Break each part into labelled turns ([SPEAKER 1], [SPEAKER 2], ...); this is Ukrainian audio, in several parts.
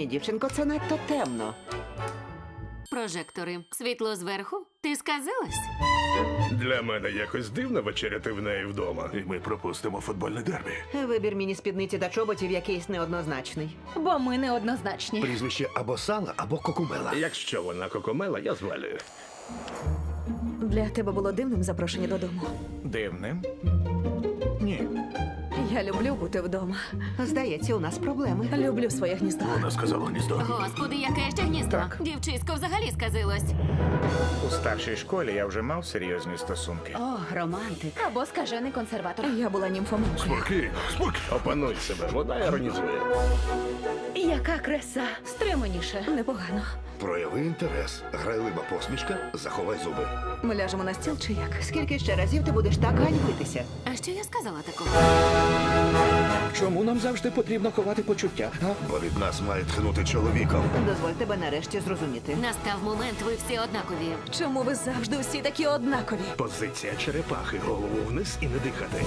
[SPEAKER 1] Ні, дівчинко, це надто темно.
[SPEAKER 2] Прожектори. Світло зверху? Ти сказилась?
[SPEAKER 3] Для мене якось дивно вечеряти в неї вдома. І ми пропустимо футбольне дербі.
[SPEAKER 1] Вибір міні-спідниці та чоботів якийсь неоднозначний.
[SPEAKER 4] Бо ми неоднозначні.
[SPEAKER 5] Прізвище або Сала, або Кокумела.
[SPEAKER 3] Якщо вона кокомела, я звалюю.
[SPEAKER 4] Для тебе було дивним запрошення додому.
[SPEAKER 6] Дивним? Ні.
[SPEAKER 4] Я люблю бути вдома.
[SPEAKER 1] Здається, у нас проблеми.
[SPEAKER 4] Люблю своє гніздо.
[SPEAKER 3] Вона сказала гніздо.
[SPEAKER 2] Господи, яке ще гніздо.
[SPEAKER 6] Так.
[SPEAKER 2] Дівчисько взагалі сказилось.
[SPEAKER 6] У старшій школі я вже мав серйозні стосунки.
[SPEAKER 2] О, романтик.
[SPEAKER 4] Або скажений консерватор. Я була німфоманкою.
[SPEAKER 3] Спокійно, спокійно. Опануй себе, вона іронізує.
[SPEAKER 4] Яка краса. Стриманіше. Непогано.
[SPEAKER 5] Прояви інтерес. Грайлива посмішка, заховай зуби.
[SPEAKER 4] Ми ляжемо на стіл чи як?
[SPEAKER 1] Скільки ще разів ти будеш так ганьбитися?
[SPEAKER 2] А що я сказала такого?
[SPEAKER 7] Чому нам завжди потрібно ховати почуття? А?
[SPEAKER 5] Бо від нас має тхнути чоловіком.
[SPEAKER 1] Дозволь тебе нарешті зрозуміти.
[SPEAKER 2] Настав момент, ви всі однакові.
[SPEAKER 4] Чому ви завжди усі такі однакові?
[SPEAKER 3] Позиція черепахи, голову вниз і не дихати.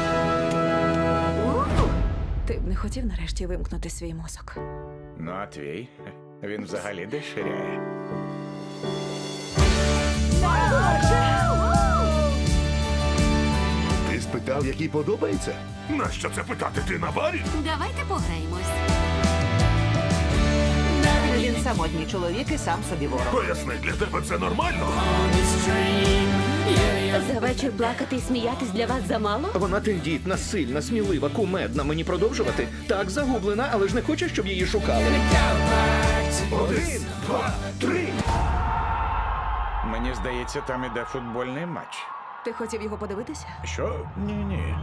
[SPEAKER 4] Ти б не хотів нарешті вимкнути свій мозок.
[SPEAKER 6] Ну, а твій? Він взагалі деширяє.
[SPEAKER 5] Ти спитав, який подобається?
[SPEAKER 3] Нащо це питати? Ти на барі?
[SPEAKER 2] Давайте пограємось.
[SPEAKER 1] Він самотній чоловік і сам собі ворог.
[SPEAKER 3] Поясни, для тебе це нормально?
[SPEAKER 8] За вечір плакати і сміятись для вас замало?
[SPEAKER 7] Вона тендітна, сильна, смілива, кумедна. Мені продовжувати? Так, загублена, але ж не хоче, щоб її шукали.
[SPEAKER 3] 1, 2, 3.
[SPEAKER 6] Мені здається, там іде футбольний матч.
[SPEAKER 4] Ти хотів його подивитися?
[SPEAKER 6] Що? Ні-ні.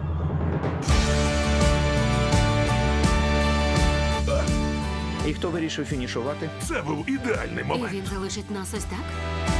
[SPEAKER 7] І хто вирішив фінішувати?
[SPEAKER 3] Це був ідеальний
[SPEAKER 2] І
[SPEAKER 3] момент.
[SPEAKER 2] він залишить нас ось так?